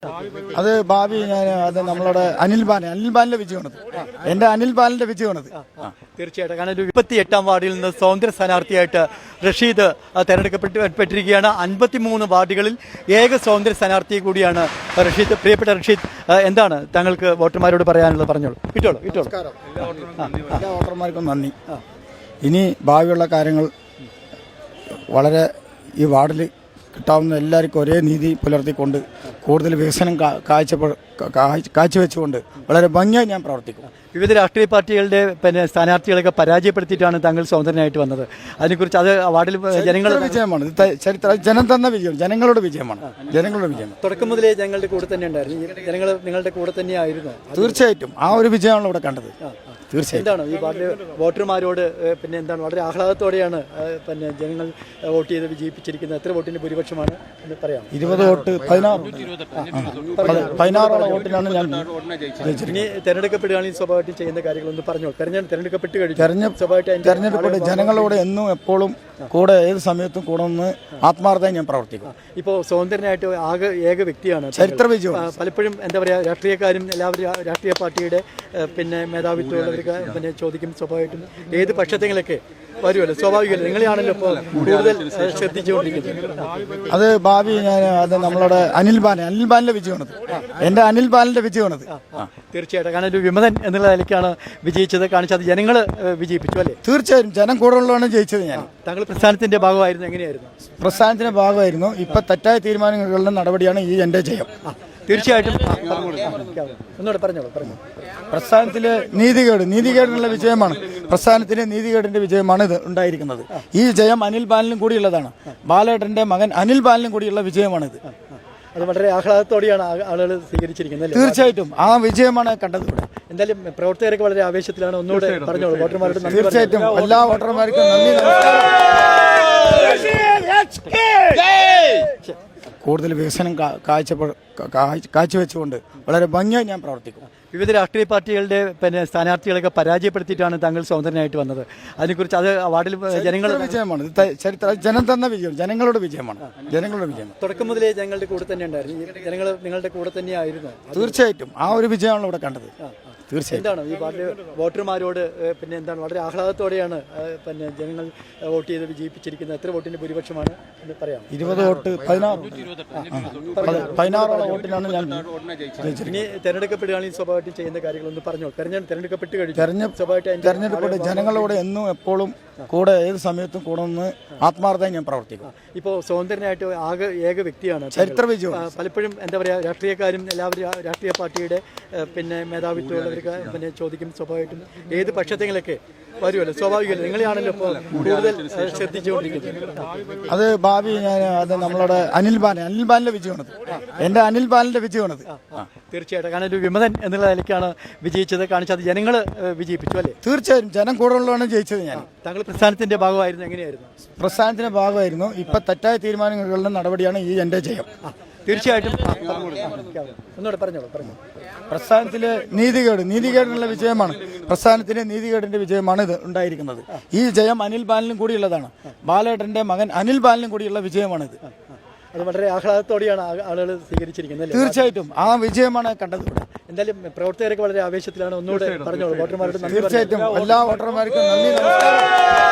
അത് ഭാവി അത് നമ്മളുടെ അനിൽ ബാലിന്റെ വിജയമാണത്. എന്റെ അനിൽ ബാലിന്റെ വിജയമാണത്. തീർച്ചയായിട്ടും. കാരണം ഒരു 28-ാം വാർഡിൽ നിന്ന് സ്വതന്ത്ര സ്ഥാനാർത്ഥിയായിട്ട് റഷീദ് തെരഞ്ഞെടുക്കപ്പെട്ടിരിക്കുകയാണ്. 53 വാർഡുകളിൽ ഏക സ്വതന്ത്ര സ്ഥാനാർത്ഥി കൂടിയാണ് റഷീദ്. പ്രിയപ്പെട്ട റഷീദ്, എന്താണ് താങ്കൾക്ക് വോട്ടർമാരോട് പറയാനുള്ളത്? പറഞ്ഞോളൂ. കിട്ടോളൂ. എല്ലാ വോട്ടർമാർക്കും നന്ദി. ഇനി ഭാവിയുള്ള കാര്യങ്ങൾ വളരെ ഈ വാർഡിൽ കിട്ടാവുന്ന എല്ലാവർക്കും ഒരേ നീതി പുലർത്തിക്കൊണ്ട് കൂടുതൽ വികസനം കാഴ്ചവെച്ചുകൊണ്ട് വളരെ ഭംഗിയായി ഞാൻ പ്രവർത്തിക്കും. വിവിധ രാഷ്ട്രീയ പാർട്ടികളുടെ സ്ഥാനാർത്ഥികളൊക്കെ പരാജയപ്പെടുത്തിയിട്ടാണ് താങ്കൾ സ്വതന്ത്രനായിട്ട് വന്നത്. അതിനെക്കുറിച്ച് അത് വാർഡിൽ ജനങ്ങളുടെ വിജയമാണ്. ജനം തന്ന വിജയം, ജനങ്ങളുടെ വിജയമാണ്. തുടക്കം മുതലേ ജനങ്ങളുടെ കൂടെ തന്നെ ഉണ്ടായിരുന്നു. ജനങ്ങൾ നിങ്ങളുടെ കൂടെ തന്നെയായിരുന്നു. തീർച്ചയായിട്ടും ആ ഒരു വിജയമാണ് ഇവിടെ കണ്ടത്. എന്താണ് ഈ വാർഡിലെ വോട്ടർമാരോട് എന്താണ് വളരെ ആഹ്ലാദത്തോടെയാണ് ജനങ്ങൾ വോട്ട് ചെയ്ത് വിജയിപ്പിച്ചിരിക്കുന്നത്? എത്ര വോട്ടിന്റെ ഭൂരിപക്ഷമാണ് എന്ന് പറയാം? 20 വോട്ട് 16 വോട്ടിനാണ് ഞാൻ. ഇനി തെരഞ്ഞെടുക്കപ്പെടുകയാണെങ്കിൽ സ്വാഭാവികമായിട്ടും ചെയ്യുന്ന കാര്യങ്ങളൊന്ന് പറഞ്ഞോളൂ. തെരഞ്ഞെടുക്കപ്പെട്ട് കഴിഞ്ഞു തെരഞ്ഞെടുക്കപ്പെട്ട് ജനങ്ങളോട് എന്നും എപ്പോഴും കൂടെ ഏത് സമയത്തും കൂടെ നിന്ന് ആത്മാർത്ഥമായി ഞാൻ പ്രവർത്തിക്കും. ഇപ്പോൾ സ്വതന്ത്രനായിട്ട് ഏക വ്യക്തിയാണ്. ചരിത്ര വിജയം. പലപ്പോഴും എന്താ പറയുക, രാഷ്ട്രീയക്കാരും എല്ലാവരും രാഷ്ട്രീയ പാർട്ടിയുടെ മേധാവിത്വമുള്ളവർക്ക് ചോദിക്കും. സ്വാഭാവികമായിട്ടും ഏത് പക്ഷത്തെങ്കിലൊക്കെ വരുമല്ലോ, സ്വാഭാവികമല്ലോ. നിങ്ങളെയാണല്ലോ ഇപ്പോൾ കൂടുതൽ ശ്രദ്ധിച്ചുകൊണ്ടിരിക്കുന്നത്. അത് ഭാവി അത് നമ്മളുടെ അനിൽ ബാലിന്റെ വിജയമാണത്. എന്റെ അനിൽ ബാലിന്റെ വിജയമാണത്. തീർച്ചയായിട്ടും. കാരണം ഒരു വിമതൻ എന്നുള്ള നിലയ്ക്കാണ് വിജയിച്ചത്. കാണിച്ചത് ജനങ്ങൾ വിജയിപ്പിച്ചു അല്ലേ? തീർച്ചയായും ജനം കൂടുതലുള്ളതാണ് ജയിച്ചത്. ഞാൻ താങ്കൾ പ്രസ്ഥാനത്തിന്റെ ഭാഗമായിരുന്നു. എങ്ങനെയായിരുന്നു? പ്രസ്ഥാനത്തിന്റെ ഭാഗമായിരുന്നു. ഇപ്പൊ തെറ്റായ തീരുമാനങ്ങളുടെ നടപടിയാണ് ഈ എന്റെ ജയം. തീർച്ചയായിട്ടും. ഒന്നുകൂടെ പറഞ്ഞോളൂ. പ്രസ്ഥാനത്തിലെ നീതികേടിനുള്ള വിജയമാണ്. പ്രസ്ഥാനത്തിലെ നീതികേടിന്റെ വിജയമാണ് ഇത് ഉണ്ടായിരിക്കുന്നത്. ഈ ജയം അനിൽ ബാലിനും കൂടിയുള്ളതാണ്. ബാലേട്ടന്റെ മകൻ അനിൽ ബാലിനും കൂടിയുള്ള വിജയമാണിത്. അത് വളരെ ആഹ്ലാദത്തോടെയാണ് ആളുകൾ സ്വീകരിച്ചിരിക്കുന്നത്. തീർച്ചയായിട്ടും ആ വിജയമാണ് കണ്ടത്. ഇവിടെ എന്തായാലും പ്രവർത്തകരൊക്കെ വളരെ ആവേശത്തിലാണ്. ഒന്നുകൂടെ പറഞ്ഞോളൂ വോട്ടർമാരോട്. തീർച്ചയായിട്ടും എല്ലാ വോട്ടർമാർക്കും നന്ദി. കൂടുതൽ വികസനം കാഴ്ചവെച്ചുകൊണ്ട് വളരെ ഭംഗിയായി ഞാൻ പ്രവർത്തിക്കും. വിവിധ രാഷ്ട്രീയ പാർട്ടികളുടെ സ്ഥാനാർത്ഥികളൊക്കെ പരാജയപ്പെടുത്തിയിട്ടാണ് താങ്കൾ സ്വതന്ത്രനായിട്ട് വന്നത്. അതിനെക്കുറിച്ച് അത് വാർഡിൽ ജനങ്ങളുടെ വിജയമാണ്. ജനം തന്ന വിജയം, ജനങ്ങളുടെ വിജയമാണ്. തുടക്കം മുതലേ ജനങ്ങളുടെ കൂടെ തന്നെ ഉണ്ടായിരുന്നു. ജനങ്ങൾ നിങ്ങളുടെ കൂടെ തന്നെയായിരുന്നു. തീർച്ചയായിട്ടും ആ ഒരു വിജയമാണ് ഇവിടെ കണ്ടത്. എന്താണ് ഈ വാർഡിലെ വോട്ടർമാരോട് എന്താണ് വളരെ ആഹ്ലാദത്തോടെയാണ് ജനങ്ങൾ വോട്ട് ചെയ്ത് വിജയിപ്പിച്ചിരിക്കുന്നത്? എത്ര വോട്ടിന്റെ ഭൂരിപക്ഷമാണ് എന്ന് പറയാം? 20 വോട്ട് 16 വോട്ടിനാണ് ഞാൻ. ഇനി തെരഞ്ഞെടുക്കപ്പെടുകയാണെങ്കിൽ സ്വാഭാവികമായിട്ടും ചെയ്യുന്ന കാര്യങ്ങളൊന്ന് പറഞ്ഞോളൂ. തെരഞ്ഞെടുക്കപ്പെട്ട് കഴിഞ്ഞു തെരഞ്ഞെടുക്കപ്പെട്ട് ജനങ്ങളോട് എന്നും എപ്പോഴും കൂടെ ഏത് സമയത്തും കൂടെ നിന്ന് ആത്മാർത്ഥമായി ഞാൻ പ്രവർത്തിക്കും. ഇപ്പോൾ സ്വതന്ത്രനായിട്ട് ഏക വ്യക്തിയാണ്. ചരിത്ര വിജയം. പലപ്പോഴും എന്താ പറയുക, രാഷ്ട്രീയക്കാരും എല്ലാവരും രാഷ്ട്രീയ പാർട്ടിയുടെ മേധാവിത്വമുള്ളവർക്ക് ചോദിക്കും. സ്വാഭാവികമായിട്ടും ഏത് പക്ഷത്തെങ്കിലൊക്കെ വരുമല്ലോ, സ്വാഭാവികമല്ലോ. നിങ്ങളെയാണല്ലോ ഇപ്പോൾ കൂടുതൽ ശ്രദ്ധിച്ചുകൊണ്ടിരിക്കുന്നത്. അത് ഭാവി അത് നമ്മളുടെ അനിൽ ബാലിന്റെ വിജയമാണത്. എന്റെ അനിൽ ബാലിന്റെ വിജയമാണത്. തീർച്ചയായിട്ടും. കാരണം ഒരു വിമതൻ എന്നുള്ള നിലയ്ക്കാണ് വിജയിച്ചത്. കാണിച്ചത് ജനങ്ങൾ വിജയിപ്പിച്ചു അല്ലേ? തീർച്ചയായും ജനം കൂടുതലുള്ളതാണ് ജയിച്ചത്. ഞാൻ താങ്കൾ പ്രസ്ഥാനത്തിന്റെ ഭാഗമായിരുന്നു. എങ്ങനെയായിരുന്നു? പ്രസ്ഥാനത്തിന്റെ ഭാഗമായിരുന്നു. ഇപ്പൊ തെറ്റായ തീരുമാനങ്ങളുടെ നടപടിയാണ് ഈ എന്റെ ജയം. തീർച്ചയായിട്ടും. ഒന്നുകൂടെ പറഞ്ഞോളൂ. പ്രസ്ഥാനത്തിലെ നീതികേടിനുള്ള വിജയമാണ്. പ്രസ്ഥാനത്തിലെ നീതികേടിന്റെ വിജയമാണ് ഇത് ഉണ്ടായിരിക്കുന്നത്. ഈ ജയം അനിൽ ബാലിനും കൂടിയുള്ളതാണ്. ബാലേട്ടന്റെ മകൻ അനിൽ ബാലിനും കൂടിയുള്ള വിജയമാണിത്. അത് വളരെ ആഹ്ലാദത്തോടെയാണ് ആളുകൾ സ്വീകരിച്ചിരിക്കുന്നത്. തീർച്ചയായിട്ടും ആ വിജയമാണ് കണ്ടത്. ഇവിടെ എന്തായാലും പ്രവർത്തകരൊക്കെ വളരെ ആവേശത്തിലാണ്. ഒന്നുകൂടെ പറഞ്ഞോളൂ വോട്ടർമാരോട്. തീർച്ചയായിട്ടും എല്ലാ വോട്ടർമാർക്കും നന്ദി. നമസ്കാരം.